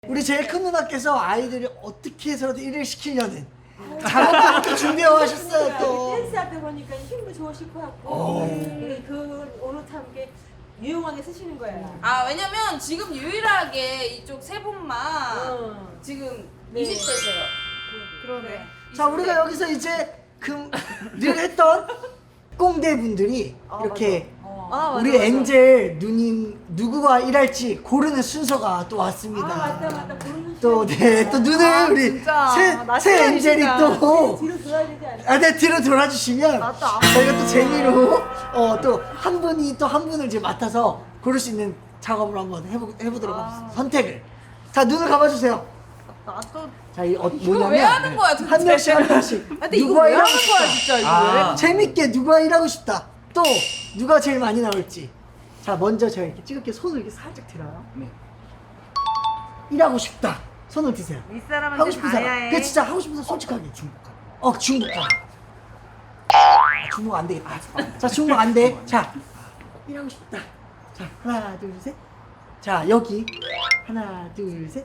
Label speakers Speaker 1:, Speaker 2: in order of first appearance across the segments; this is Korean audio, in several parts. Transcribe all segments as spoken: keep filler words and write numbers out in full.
Speaker 1: 우리 제일 큰 누나께서 아이들이 어떻게 해서라도 일을 시키려는 작업부터 준비해 하셨어요 또.
Speaker 2: 댄스 하다 보니까 힘도 좋으실 것 같고 네, 그 오늘 참 이렇게 유용하게 쓰시는 거예요.
Speaker 3: 아 왜냐면 지금 유일하게 이쪽 세 분만
Speaker 2: 어.
Speaker 3: 지금
Speaker 2: 네.
Speaker 3: 이십 대세요.
Speaker 2: 그러네.
Speaker 1: 자 우리가 여기서 이제 그 늘 했던 꽁대 분들이 이렇게
Speaker 2: 아,
Speaker 1: 우리
Speaker 2: 맞아, 맞아.
Speaker 1: 엔젤 누님 누구가 일할지 고르는 순서가 또
Speaker 2: 아
Speaker 1: 왔습니다.
Speaker 2: 맞다 맞다 고르는
Speaker 1: 또 네 또 눈을
Speaker 4: 아,
Speaker 1: 우리
Speaker 4: 진짜.
Speaker 1: 새,
Speaker 4: 나
Speaker 1: 새 엔젤이
Speaker 4: 시간이시다.
Speaker 1: 또
Speaker 2: 뒤로 돌아야 되지 않을까?
Speaker 1: 아, 네, 뒤로 돌아주시면
Speaker 4: 나도 안
Speaker 1: 저희가 또 재미로 어, 또 한 분이 또 한 분을 이제 맡아서 고를 수 있는 작업을 한번 해보, 해보도록
Speaker 4: 아.
Speaker 1: 하겠습니다. 선택을. 자, 눈을 감아주세요.
Speaker 4: 나도.
Speaker 1: 자, 이 어,
Speaker 3: 이거
Speaker 1: 뭐냐면
Speaker 3: 왜 하는 거야, 도대체?
Speaker 1: 한 명씩 한 명씩
Speaker 4: 근데 이거
Speaker 1: 누가
Speaker 4: 왜
Speaker 1: 일하고
Speaker 4: 하는 거야,
Speaker 1: 싶다.
Speaker 4: 진짜 이거
Speaker 5: 아.
Speaker 1: 재밌게 누가 일하고 싶다. 또 누가 제일 많이 나올지. 자, 먼저 제가 이렇게 찍을게 손을 이렇게 살짝 들어요.
Speaker 5: 네.
Speaker 1: 일하고 싶다. 손을 드세요.
Speaker 4: 이 사람한테
Speaker 1: 하고 싶은
Speaker 4: 다야
Speaker 1: 사람.
Speaker 4: 해.
Speaker 1: 그 진짜 하고 싶은 사람 솔직하게 중복하고. 어 중복하고. 중복 안 되겠다. 자 중복 안 돼. 자 일하고 싶다. 자 하나 둘 셋. 자 여기 하나 둘 셋.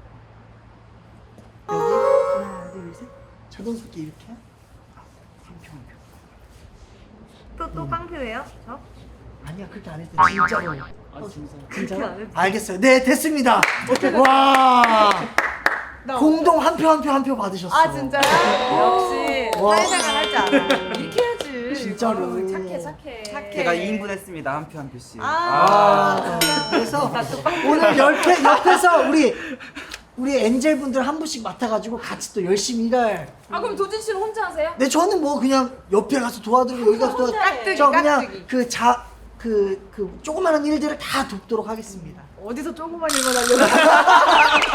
Speaker 1: 여기 하나 둘 셋. 자동스럽게 이렇게. 한표 한 표.
Speaker 4: 또또 깡표예요? 저?
Speaker 1: 아니야 그렇게 안 했대. 진짜로.
Speaker 5: 아 진짜.
Speaker 1: 진짜로?
Speaker 4: 안 했지.
Speaker 1: 알겠어요. 네 됐습니다. 와.
Speaker 4: 나
Speaker 1: 공동 한 표 한 표 한 표 받으셨어.
Speaker 4: 아 진짜요? 역시
Speaker 1: 와.
Speaker 4: 사회생활 할 줄 알아. 이렇게 해야지.
Speaker 1: 진짜로.
Speaker 3: 어, 착해 착해.
Speaker 4: 착해.
Speaker 5: 제가 이 인분 했습니다. 한 표 한 표씩.
Speaker 4: 아.
Speaker 1: 아, 그래서 오늘 옆에, 옆에서 우리 우리 엔젤 분들 한 분씩 맡아가지고 같이 또 열심히 일할.
Speaker 3: 아 그럼 도진 씨는 혼자 하세요?
Speaker 1: 네 저는 뭐 그냥 옆에 가서 도와드리고 여기 가서 도와.
Speaker 2: 깍두기,
Speaker 1: 저 그냥
Speaker 4: 깍두기.
Speaker 1: 그 자 그 그 조그마한 일들을 다 돕도록 하겠습니다.
Speaker 4: 어디서 조그만 일만 하려고.